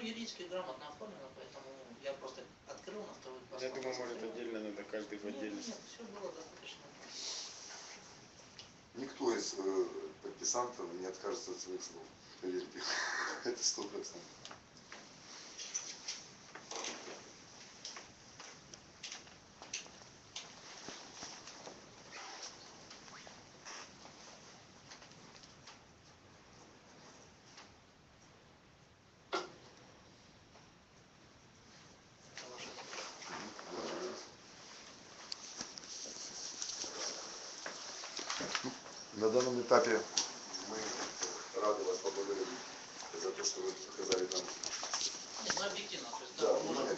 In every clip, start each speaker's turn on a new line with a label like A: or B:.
A: юридически грамотно оформлено, поэтому я просто открыл на второй паспорт.
B: Я думаю, может отдельно надо, каждый в отдельности.
A: Нет, все было достаточно.
C: Никто из подписантов не откажется от своих слов. Поверьте, это 100%. На данном этапе мы рады вас поблагодарить за то, что вы показали нам.
A: Нет, мы объективно, то есть,
C: Да,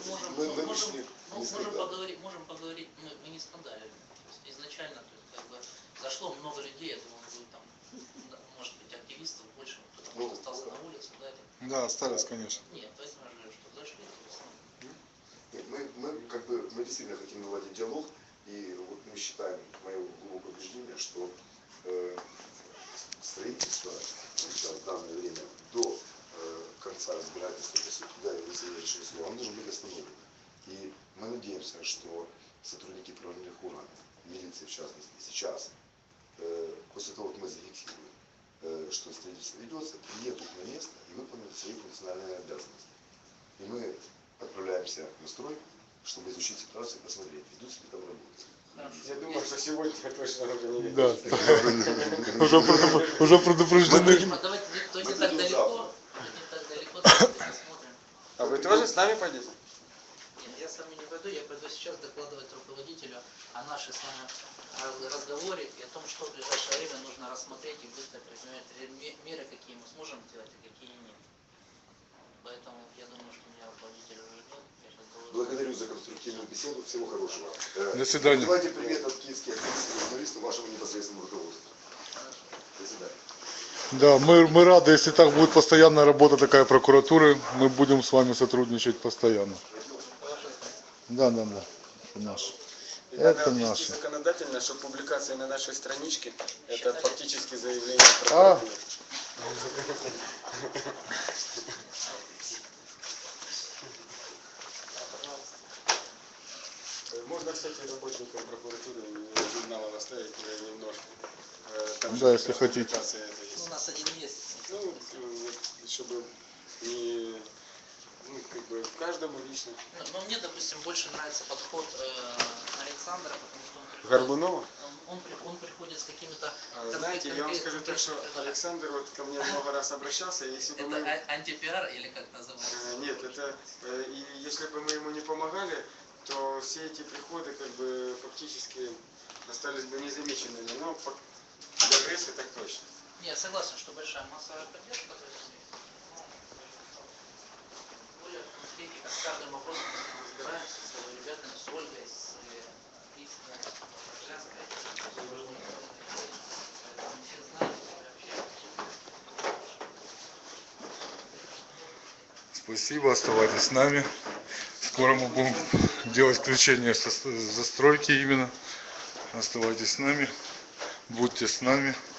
A: можем поговорить, мы не скандалили. То есть изначально, то есть, как бы, зашло много людей, я думаю, будет там, может быть, активистов больше, кто-то остался на улице, да?
D: Да, остались, конечно.
A: Нет, поэтому я говорю, что зашли.
C: Нет, мы действительно хотим наладить диалог, и вот мы считаем, мое глубокое убеждение, что строительство сейчас в данное время до конца разбирательства, когда его завершили слово, оно должно быть остановлено. И мы надеемся, что сотрудники правоохранительных органов, милиции в частности, сейчас, после того, как мы зафиксируем, что строительство ведется, приедут на место и выполнят свои функциональные обязанности. И мы отправляемся на стройку, чтобы изучить ситуацию и посмотреть, ведутся ли там работы.
B: Я думаю, что сегодня точно уже не видно.
D: Да. Уже предупреждены.
A: Давайте, кто не так далеко, посмотрим.
B: А вы тоже с нами пойдете?
A: Нет, я с вами не пойду, я пойду сейчас докладывать руководителю о нашей с вами разговоре и о том, что в ближайшее время нужно рассмотреть и быстро принимать меры, какие мы сможем делать и какие нет. Поэтому я думаю, что меня руководитель уже ждет.
C: Благодарю за конструктивную беседу. Всего хорошего.
D: До свидания.
C: Давайте привет от киевских журналистов вашему непосредственному руководству. До свидания.
D: Да, мы рады, если так будет постоянная работа такая прокуратуры, мы будем с вами сотрудничать постоянно. Да, наш. Это наше.
B: Законодательно, что публикация на нашей страничке это фактически заявление прокуратуры. Можно, кстати, работникам прокуратуры журнала наставить немножко. Там
D: да, если хотите.
A: У нас один месяц.
B: Ну, чтобы не, как бы каждому лично.
A: Но мне, допустим, больше нравится подход Александра, потому что он
B: Горбунова?
A: Он приходит с какими-то...
B: Знаете, я вам скажу так, что Александр вот ко мне много раз обращался, если бы
A: это мы... антипиар или как называется?
B: Нет, это и если бы мы ему не помогали, то все эти приходы как бы фактически остались бы незамеченными. Но для прессы так точно.
A: Я согласен, что большая массовая поддержка. Более успехи, как с каждым вопросом мы разбираемся с ребятами, с Ольгой, с Кристиной, с Женской. Все знают,
D: Спасибо, оставайтесь с нами. Скоро мы будем делать включение застройки именно. Оставайтесь с нами, будьте с нами.